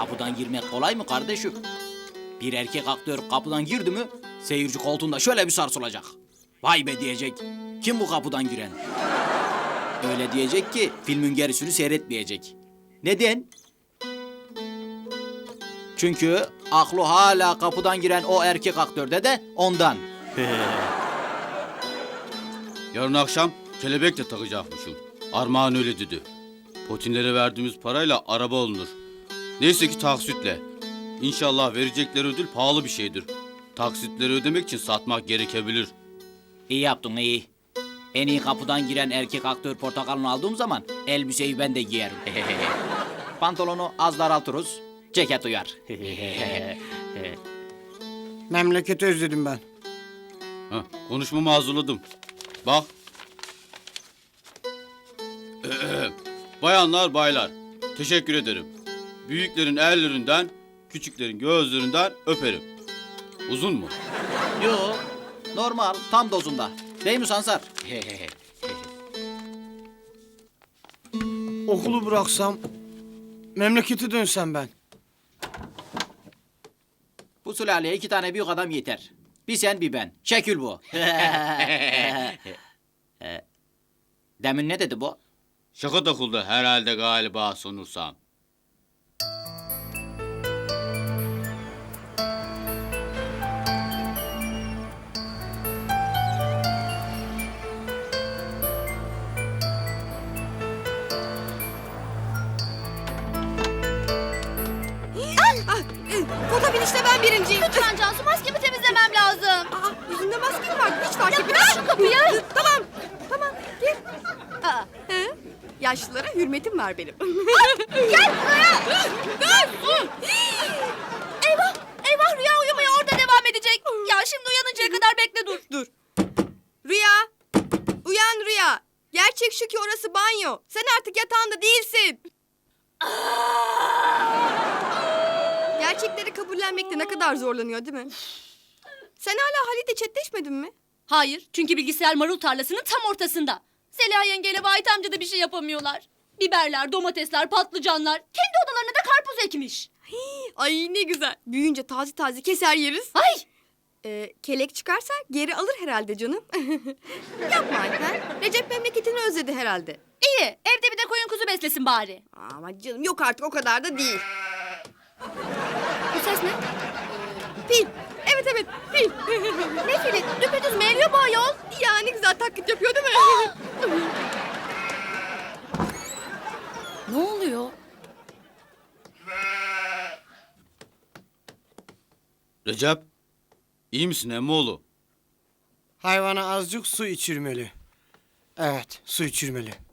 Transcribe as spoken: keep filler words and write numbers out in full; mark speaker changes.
Speaker 1: kapıdan girmek kolay mı kardeşim? Bir erkek aktör kapıdan girdi mi seyirci koltuğunda şöyle bir sarsılacak. Vay be diyecek. Kim bu kapıdan giren? Öyle diyecek ki filmin gerisini seyretmeyecek. Neden? Çünkü aklı hala kapıdan giren o erkek aktörde de ondan.
Speaker 2: Yarın akşam kelebek de takacakmışım. Armağan öyle dedi. Potinlere verdiğimiz parayla araba alınır. Neyse ki taksitle. İnşallah verecekleri ödül pahalı bir şeydir. Taksitleri ödemek için satmak gerekebilir.
Speaker 1: İyi yaptın iyi. En iyi kapıdan giren erkek aktör portakalını aldığım zaman elbiseyi ben de giyerim. Pantolonu az daraltırız, ceket uyar.
Speaker 3: Memleketi özledim ben.
Speaker 2: Heh, konuşmamı hazırladım. Bak. Bayanlar baylar, teşekkür ederim. Büyüklerin ellerinden, küçüklerin gözlerinden öperim. Uzun mu?
Speaker 1: Yo, normal, tam dozunda. Değil mi Sansar?
Speaker 3: Okulu bıraksam, memlekete dönsem ben.
Speaker 1: Bu sülaleye iki tane büyük adam yeter. Bir sen bir ben. Şekil bu. Demin ne dedi bu?
Speaker 2: Şaka takıldı herhalde galiba sonursam.
Speaker 4: Foto binişte ben birinciyim.
Speaker 5: Lütfen Cansu, maskemi temizlemem lazım.
Speaker 4: Aa, yüzünde maske mi var? Hiç fark etmedim.
Speaker 5: Aç şu kapıyı.
Speaker 4: Tamam, tamam. Gir. Aa, he? Yaşlılara hürmetim var benim.
Speaker 5: Gel buraya. Dur. Eyvah, eyvah Rüya uyumaya orada devam edecek. Ya şimdi uyanıncaya kadar bekle dur.
Speaker 4: Dur. Rüya, uyan Rüya. Gerçek şu ki orası banyo. Sen artık yatağında değilsin. Gerçekleri kabullenmekte ne kadar zorlanıyor değil mi? Sen hala Halit'le chatleşmedin mi?
Speaker 5: Hayır, çünkü bilgisayar marul tarlasının tam ortasında. Zeliha yengeyle Vahit amca da bir şey yapamıyorlar. Biberler, domatesler, patlıcanlar. Kendi odalarına da karpuz ekmiş.
Speaker 4: Ay ne güzel. Büyüyünce taze taze keser yeriz.
Speaker 5: Ay!
Speaker 4: Ee, kelek çıkarsa geri alır herhalde canım. Yapma Ayten. Recep memleketini özledi herhalde.
Speaker 5: İyi, evde bir de koyun kuzu beslesin bari.
Speaker 4: Ama canım yok artık o kadar da değil.
Speaker 5: Bu ses ne?
Speaker 4: Fil. Evet evet fil.
Speaker 5: Ne fili? Düpedüz meyliyor bu ayol.
Speaker 4: Ya ne güzel taklit yapıyor değil mi?
Speaker 5: Ne oluyor?
Speaker 2: Recep, iyi misin emmoğlu?
Speaker 3: Hayvana azıcık su içirmeli. Evet, su içirmeli.